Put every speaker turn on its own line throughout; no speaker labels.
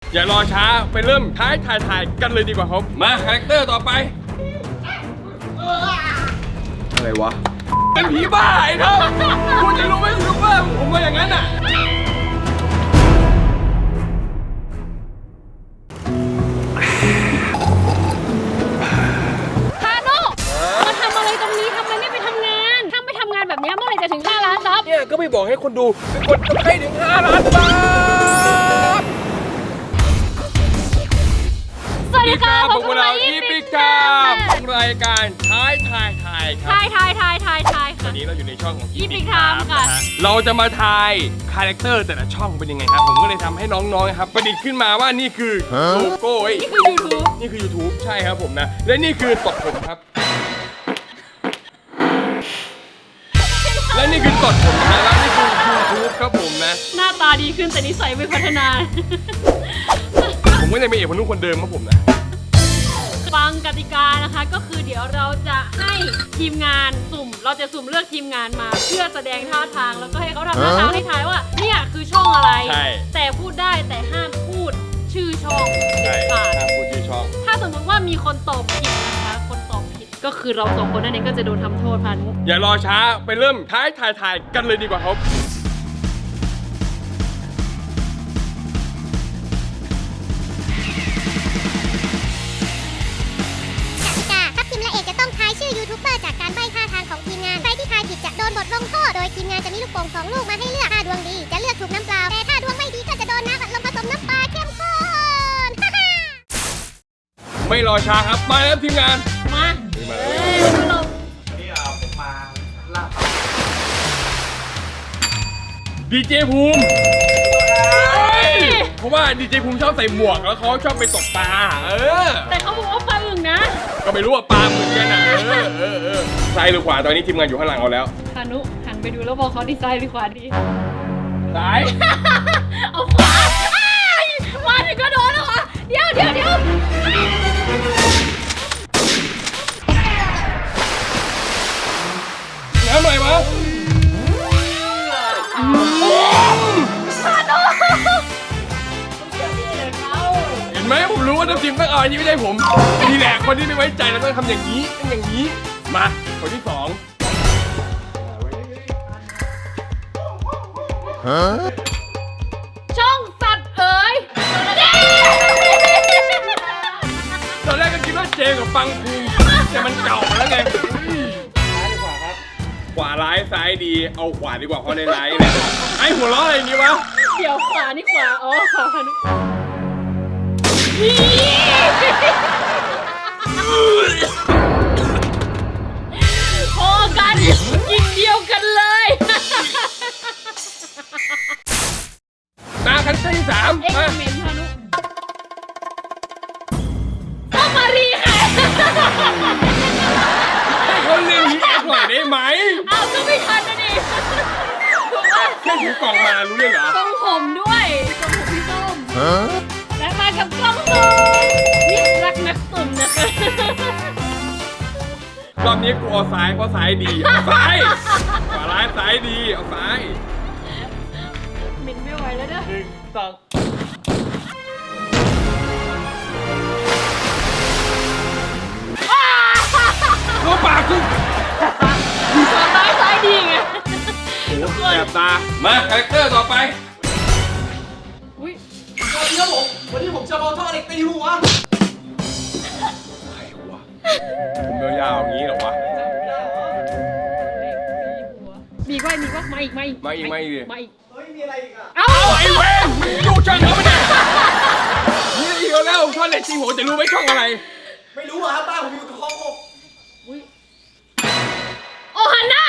อย่ารอช้าไปเริ่มถ่ายกันเลยดีกว่าครับมาคาแรคเตอร์ต่อไปอะไรวะเป็นผีบ้าไอ้เธอคุณจะรู้ไหมรู้ว่าผมว่าอย่างนั้นอ่ะ
พาโน่มาทำอะไรตรงนี้ทำไมไม่ไปทำงานถ้าไม่ทำงานแบบนี้เมื่อไหร่จะถึง5 ล้านซับ
เนี่ยก็ไม่บอกให้คนดูเป็นคนจะให้ถึง5 ล้านบาท
สวัสดีค่ะ
พวกเราอีพิกครับรายการถ่ายครับ
ถ่ายค่ะ
วันนี้เราอยู่ในช่องของ
อีพิกครับค่ะ
เราจะมาทายคาแรคเตอร์แต่ละช่องเป็นยังไงครับผมก็เลยทำให้น้องๆครับประดิษฐ์ขึ้นมาว่านี่คือโลโก้นี่คือ YouTube ใช่ครับผมนะและนี่คือตดผมครับและนี่คือตดผมนะแล้วนี่คือ YouTube ครับผมนะ
หน้าตาดีขึ้นแต่นิสัยไม่พัฒนา
ผมก็ยังเป็นเอกพนุคนเดิมครับผมนะ
ฟังกติกานะคะก็คือเดี๋ยวเราจะให้ทีมงานเราจะสุ่มเลือกทีมงานมาเพื่อแสดงท่าทางแล้วก็ให้เขาทำท่าทางให้ทายว่าเนี่ยคือช่องอะไรแต่พูดได้แต่ห้ามพูดชื่อช่องเด็ดขาด
ห้ามพูดชื่อช่อง
ถ้าสมมติว่ามีคนตอบผิดนะคะคนตอบผิดก็คือเรา2 คนนั่นเองก็จะโดนทำโทษพานุ
อย่ารอช้าไปเริ่มถ่ายกันเลยดีกว่าครับ
ยูทูบเบอร์จากการใบ้ท่าทางของทีมงานใครที่ทายผิดจะโดนบทลงโทษโดยทีมงานจะมีลูกโป่ง2 ลูกมาให้เลือกถ้าดวงดีจะเลือกถูกน้ำเปล่าแต่ถ้าดวงไม่ดีก็จะโดนน้ำอัดลมผสมน้ำปลาเข้มข้น
ไม่รอช้าครับมาแล้วทีมงาน
มา
ผมมาลาบ
ดีเจภูมิเพราะว่าดีเจภูมิชอบใส่หมวกแล้วเขาชอบไปตกปลา
แต่เขาบอกว่าปลาอึ่งนะ
ก็ไม่รู้ว่าปลาเหมือนกันนะซ้ายหรือขวาตอนนี้ทีมงานอยู่ข้างหลังเราแล้ว
พานุหันไปดูแล้วบอกเขาดีซ้ายหรือขวาดี
ซ้าย
เอาขวามาถึงก็โดนแล้วเหรอเดี๋ยว
น้ำหน่อยวะเห็นไหมผมรู้ว่าน้ำจิ้มต้องเอาอันนี้ไม่ใช่ผมนี่แหละคนที่ไม่ไว้ใจแล้วต้องทำอย่างนี้มาคนที่2
ช่องสัตว์เอ๋ย
ตอนแรกก็คิดว่าเจกับปังคุงแต่มันเก่าแล้วไง
ซ้ายหรือขวาครับ
ขวาร้ายซ้ายดีเอาขวาดีกว่าเพราะในร้ายเนี่ยไอหัวล้ออะไรอย่างนี้วะ
เดี๋ยวขวานี่ขวาขวาพานุพอกันกินเดียวกันเลย
มาคันที่3
มาเมนพานุต้องมารีค่ะ
ให้เขาเรียกรีแอคหน่อยได้ไหม
เอาก็ไม่ทันนะดิ
แค่ถือกล่องมารู้เลยเหรอ
ทรงผมด้วยทรงผมพี่ส้มและมากับกล้องซูมนี่รักนักตุ่มนะคะ
รอบนี้กูเอาซ้ายเพราะซ้ายดีเอาซ้ายขวาร้ายซ้ายดีเอาซ้าย
หมิ่นไม่ไหวแล้วเด้อ
1 2เข้าปากกู
ซ้ายดีไง
แสบตามาคาแรคเตอร์ต่อไป
สวัสดีครับผมวันนี้ผมจะเอาท่อเหล็กตีหัว
ใครวะผมยาวๆอย่างนี้เหรอวะ
มีว่ามาอีก
ดิ
เฮ้ยมีอะไรอีกอ่ะ
เอา
ไอ้เว้ยดูช่องเขาไม่ได้นี่อีกแล้วท่อเหล็กตีหัวจะรู้ไหมช่องอะไร
ไม่รู้อ่ะบ้านผมอยู่คลอง6
โอฮันน่า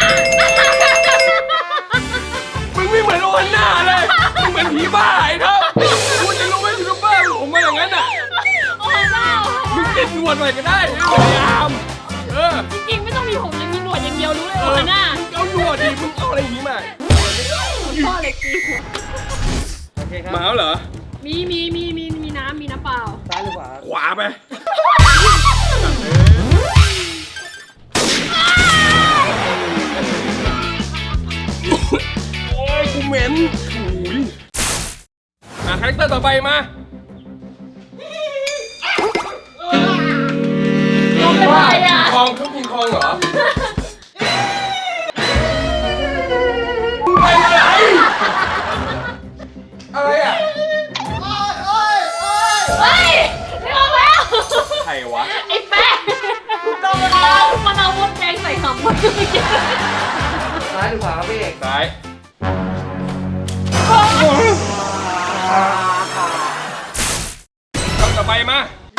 มึงไม่เหมือนโอฮันน่าเลยมึงเหมือนผีบ้าไอ้เธอคุณจะรู้ไหมยูทูบเบอร์ผมมาอย่างนั้นอ่ะ
โอฮันน่า
มึงติดหนวดหน่อยก็ได้พยายาม
จริงๆไม่ต้องมีผมเลยมีหนวดอย่างเดียวรู้เลยโอฮันน่า
เอาหนวดดิมึงเอาอะไรอย่างนี้มา
พ่อเล็กจี
โอเคครับมาแล้วเหรอ
มีน้ำเปล่า
ซ้ายหรือขวา
ขวาไปโอ้ยกูเหม็นคาแรคเตอร์ต่อไปมาว่า
อะไรอ่ะ
คองเครื่องกินคองเหรอไปอะไรอ่ะ
เฮ้ยไม่ออกแล้ว
ใครวะ
ไอ้แป๊ะมันเอามดแดงใส่ขำมัน
ซ้ายหรือขวาครับพี่เอก
ซ้ายคำต่อไปมา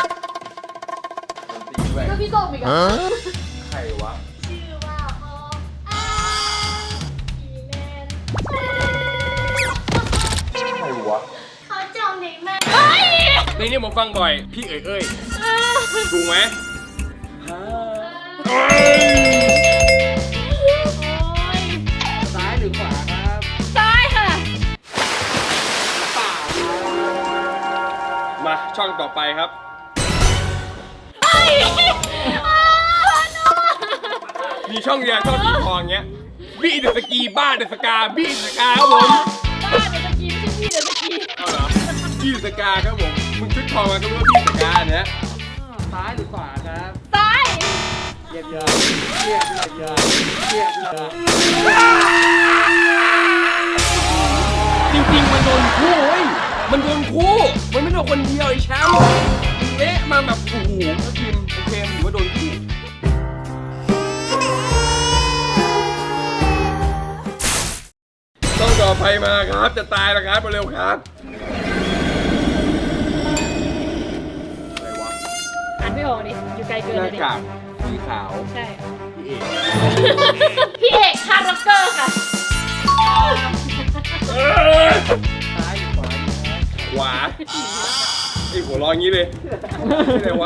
ก็พี่ส้มอีกอ่ะ
ใครวะ
ชื่อว่าโออีแมน
ใครวะ
เขาจองเด็กมาก
เฮ้ย
ในนี้ผมฟังบ่อย พี่เอ้ยถูกไหม
โอ้ย
ซ้ายหรือขวาครับ
ซ้ายค่ะ
มาช่องต่อไปครับ
เฮ้ย
มีช่องเดียวช่องสีทองเงี้ยบี้เดอะสกีบ้าเดอะสกาบี้เดอะสกาครับผม
บ้าเดี๋ยวตะกี้ไม่ใช่พี่เดี๋ยวตะกี้
เอาเหรอบี้เดอะสกาครับผมมึงชุดทองมาก็รู้ว่าบี้เดอะสกาเนี่ย
ซ้ายหรือขวาครับ
ซ้าย
เยียบเยียบเยียบเยียบเยียบเยียบ
จริงๆมันโดนคู่เว้ยมันโดนคู่มันไม่โดนคนเดียวไอ้แชมป์มึงเละมาแบบโอ้โหถ้าทีมโอเคถือว่าโดนคู่ต้องต่อไปมาครับจะตายแล้วครับเร็วครับอะไรวะ
อ่านไม่ออกดิอยู่ไกลเกิน
ห
เล
น้าย
ดิ
กากสีขาว
ใช่
พี่เอก
พี่เอกคาร์ร็อกเกอร์ค่ะ
ซ้ายหรือขวาดีครับ
ขวาไอ้หัวเร้อย่างนี้เลยอะไรวะ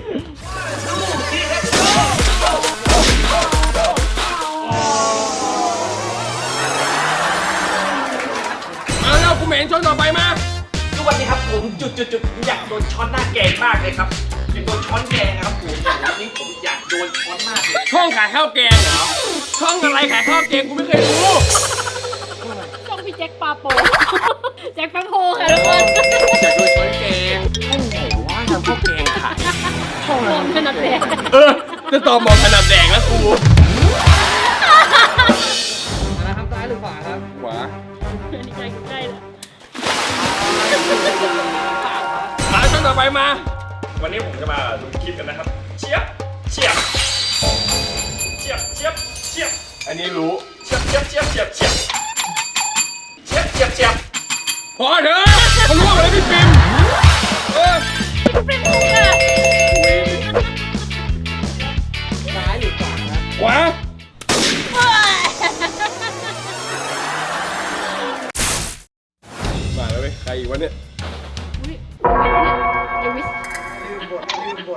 เอาแล้วกูเหม็นช่องต่อไปมา
ทุกวันนี้ครับผมจุดอยากโดนช้อนหน้าแกงมากเลยครับเป็นโดนช้อนแกงนะครับผมวันนี้ผมอยากโดนช้อนมากเลย
ช่องขายข้าวแกงเหรอ ช่องอะไรขายข้าวแกงกูไม่เคยรู้
ช่องพี่แจ็คปาโป แจ็คแป๊บโฮค่ะทุกคน
อยากโดนช้อนแกงช่องไหนวะทำข้าวแกงขาย
มองขนาดแดง
จะตอบมองขนาดแดงแล้วกู
มาแล้วครับซ้ายหรือขวาครับ
ขวา
อันนี้ใกล้ใกล้แล้ว
มาช่องต่อไปมา
วันนี้ผมจะมาดูคลิปกันนะครับ เชียบเชียบเชียบเชียบเชียบ
อันนี้รู้
เชียบเชียบเชียบเชียบเชียบเชียบเชียบเชียบ
พอเถอะเขาล่วงเลยพี่ปิมเออ
เป็นมุกอะ
ซ้ายหรือขวาครับ
ขวา มาแล้วเว้ยใครอีกวะเนี่ย
อุ๊ยเอวิส
ลืมบท
ลืม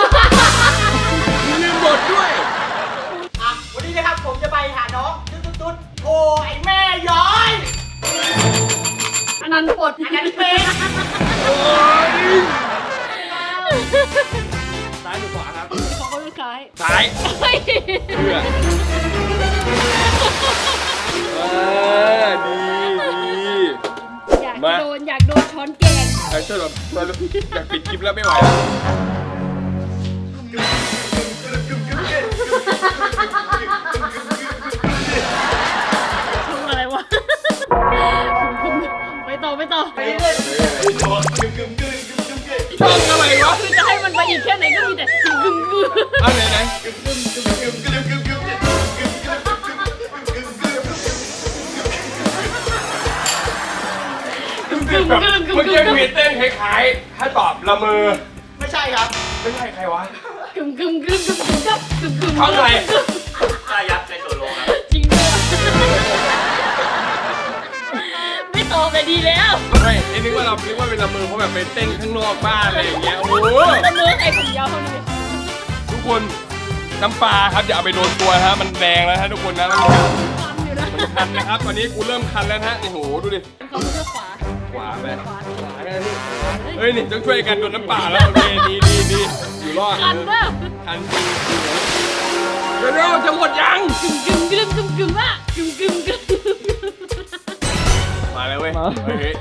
บทด้วย
อ่ะวันนี้นะครับผมจะไปหาน้องตุ๊ดโอ้ไอแม่ย้อย
อันนั้นปลด
อันนั้นเป็น
โอ้ย
ซ้ายหรือขวาครับ
ของเขาลูกซ้าย
ซ้าย
เฮ้ย
เพื่อดี
อยาก
มา
อยากโดนช้อนแกง
ไอ้ช่วยแบบอยากปิดคลิปแล้วไม่ไหวแล้ว
ช่องอะไรวะไปต่อไปต่อ
ช่องอะไรวะ
คือจะให้มันไปอีกแค่ไหนก็มีแต่กึ่งกึ่ง
เอาไหนเมื่อกี้มีเต้นคล้ายๆถ้าตอบละเมอ
ไม่ใช่ครับ
ไม่ใช่ใครวะ
กึ่งกึ่งกึ่งกึ่งกึ่งกับกึ่งกึ่ง
ช่องอะไร
ตายักษ์ในโซโลครับ
จริงด้วยไม่ตอบเลยดีแล้ว
ไม่ไอ้นึกว่าเป็นละเมอเพราะแบบไปเต้นข้างนอกบ้านอะไรอย่างเงี้ย โอ้โห
ละเมอไอ้ผมยาวเท่านี้
ทุกคนน้ำปลาครับอย่าเอาไปโดนตัวนะฮะมันแดงแล้วฮะทุกคนนะมัน
คันอยู่นะ
คันนะครับตอนนี้กูเริ่มคันแล้วนะฮะโอ้โหดูดิ
เขาเลือกขวา
ขวาไป
ขวา
เฮ้ยนี่ต้องช่วยกันโดนน้ำปลาแล้วโอเคดีอยู่รอด
คันว่า
คันจริงเดี๋ยวจะหมดยัง
กึ่งกึ่งกึ่งกึ่งกึ่งว่ากึ่งกึ่งกึ่ง
มาแล้วเว้ยเฮ้ย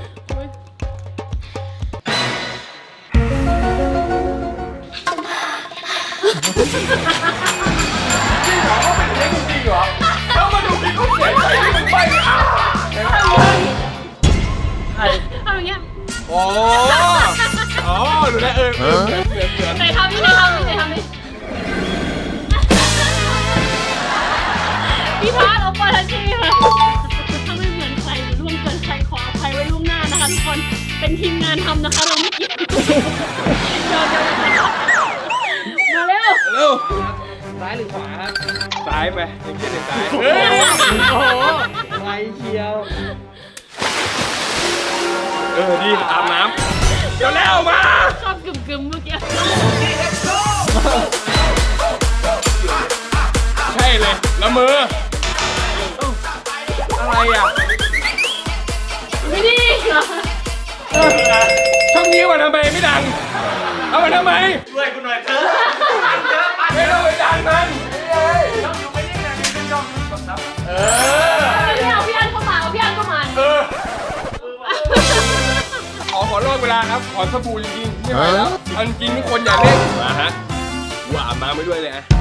เ
จริงเหรอเขาเป็นอย่างนี้จริงเหรอแล้วมาดูที่เขาเสียใจที่มึงไปอ่ะ
ทำอย่างเงี้ย
อ๋อดูแลเหมือน
ไหนทำนี่ไหนทำนี่ไหนทำนี่พี่พาร์ทเอาปาทัชชี่ค่ะถ้าไม่เหมือนใครหรือล่วงเกินใครขออภัยไว้ล่วงหน้านะคะทุกคนเป็นทีมงานทำนะคะเราไม่เกี่ยวมาเร็ว
เร็ว
ซ้ายหรือขวาครับ
ซ้ายไปยังเชื่อในซ้าย
โอ้โหไวเชียว
ดีอาบน้ำเดี๋ยวแล้วมา
ชอบกึ่มๆเมื่อกี้
ใช่เลยละเมออะไรอ่ะ
ไม่ดีเหรอ
ช่องนี้มาทำไมไม่ดังเอามาทำไม
ช่วยกูหน่อยเถอะ
ไม่ต้องไปดังมัน
ช่องอยู่ไม่ได้นะเป็นช่องกดซับ
พี่เอาพี่อันเข้ามาเอาพี่อันเข้ามา
ขอรอบเวลาครับขอสบู่จริงๆไม่ไหวแล้วอันจริงทุกคนอย่าเล่นมาฮะว่าอาบน้ำไปด้วยเลยอะ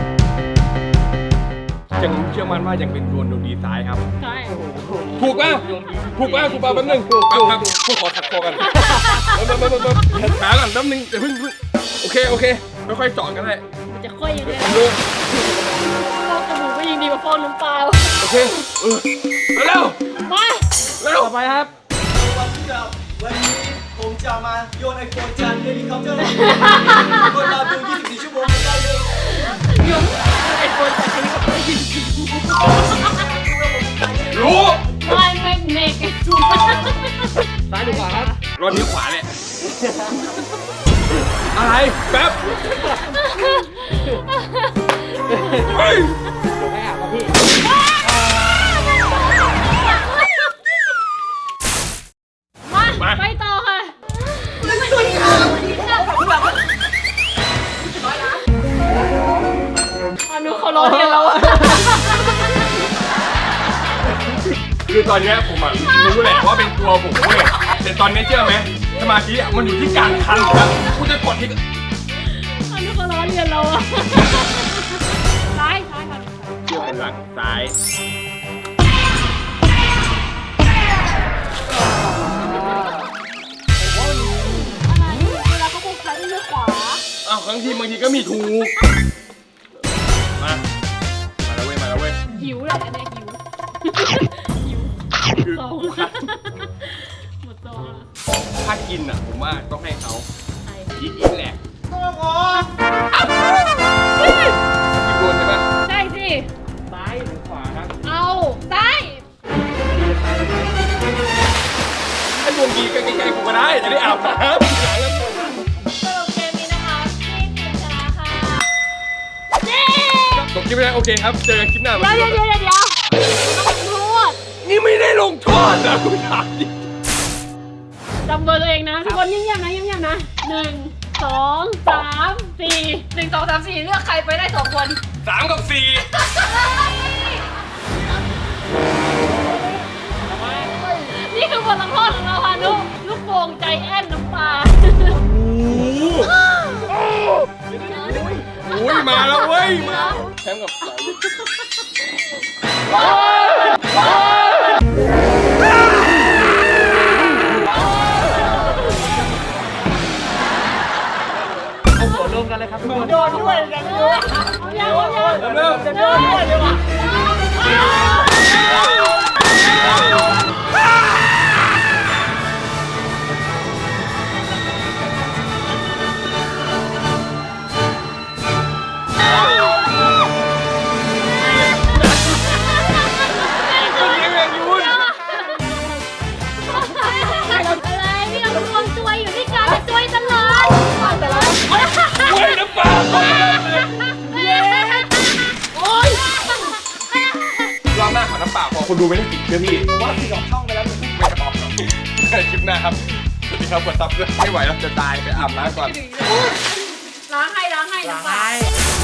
ยังเชื่อมั่นว่ายังเป็นดวงดวงดีซ้ายครับ
ใช่
ถูกป่ะถูกป่ะถูกป่ะแป๊บนึงถูกครับพวกขอขัดคอกันขาก่อนแป๊บนึงเดี๋ยวเพิ่งโอเคค่อยๆเจาะกันได้
มันจะค่อยยังไง
ดู
ฟอกสบู่ก็ยังดีกว่าฟอกน้ำเปล่า
โอเคเร็ว
มา
เร็ว
ต่อไปครับ
วันนี้ผมจะมาโยนไอโฟนจากเฮลิคอปเตอร์คนเราดู 24 ชั่วโมงกันได้เลย
โยนไอโฟนจากนี้ก็ไปยิง
รู้
ไม่เมก
ซ้ายหรือขวาครับ
รถนี้ขวาเนี่ยอะไรแป๊บเฮ้ย
ไม่อาบครับพี่
มาไปต่อค่ะอนุเขาร้องเรียนเราอะ
คือตอนเนี้ยผมอะรู้แหละว่าเป็นตัวผมเว้ยแต่ตอนนี้เชื่อไหมสมาธิอะมันอยู่ที่กลางคันครับกูจะกดที่
อนุเขาร้องเรียนเราอะซ้ายค่ะ
เชื่อเป็นหลังซ้าย
อะไรเวลาเขาพูดซ้ายเลือกขวา
อ้าวบางทีก็มีถูกมาแล้วเว้ย
หิวแหละเนี่ยหิว
คือ
สอง
กูคัด
หมดซองแล้ว
ถ้ากินอะผมว่าต้องให้เขา
ใคร
อีกแหละกินโดนใช่ปะ
ใช่สิ
ซ้ายหรือขวาครับ
เอาซ้าย
ถ้าดวงดีก็ใกล้ๆกูก็ได้จะได้อาบน้ำหลังแล้ว
สรุปเกมนี้นะคะที่ทีมชนะค่ะเย้
จบคลิปไปแล้วโอเคครับเจอกันคลิปหน้า
เดี๋ยวต้องโทษ
นี่ไม่ได้ลงโทษนะคุณถามดิ
จำเบอร์ตัวเองนะทุกคนเงียบๆนะ1 2 3 4 1 2 3 4เลือกใครไปได้2 คน
3 กับ 4
นี่คือบทลงโทษของเราค่ะนุลูกโป่งใจแอนน้ำปลา
อุ้ยมาแล้วเว้ยมาแชมป์กับ
เอาหัวลงกันเลยครับทุกคน
โดนด้วยอย่างนี้
เอายังเอายัง
เริ่ม
จะโดนด้วยเลยว่ะ
อะไรนี่เรารวมตัวอยู่ด้วยกันจะช่วยตลอดแต่ละ
เว้ยน้ำปลาโอ้ยรอบหน้าขอน้ำเปล่าพอคนดูไม่ได้ติดเชื่อพี่
ว่าสิออกช่องไปแล้ว
ไม่จะบอกหรอกคลิปหน้าครับสวัสดีครับกดซับด้วยไม่ไหวแล้วจะตายไปอาบน้ำก่อน
ล้างให้น้ำปลา
ซ้าย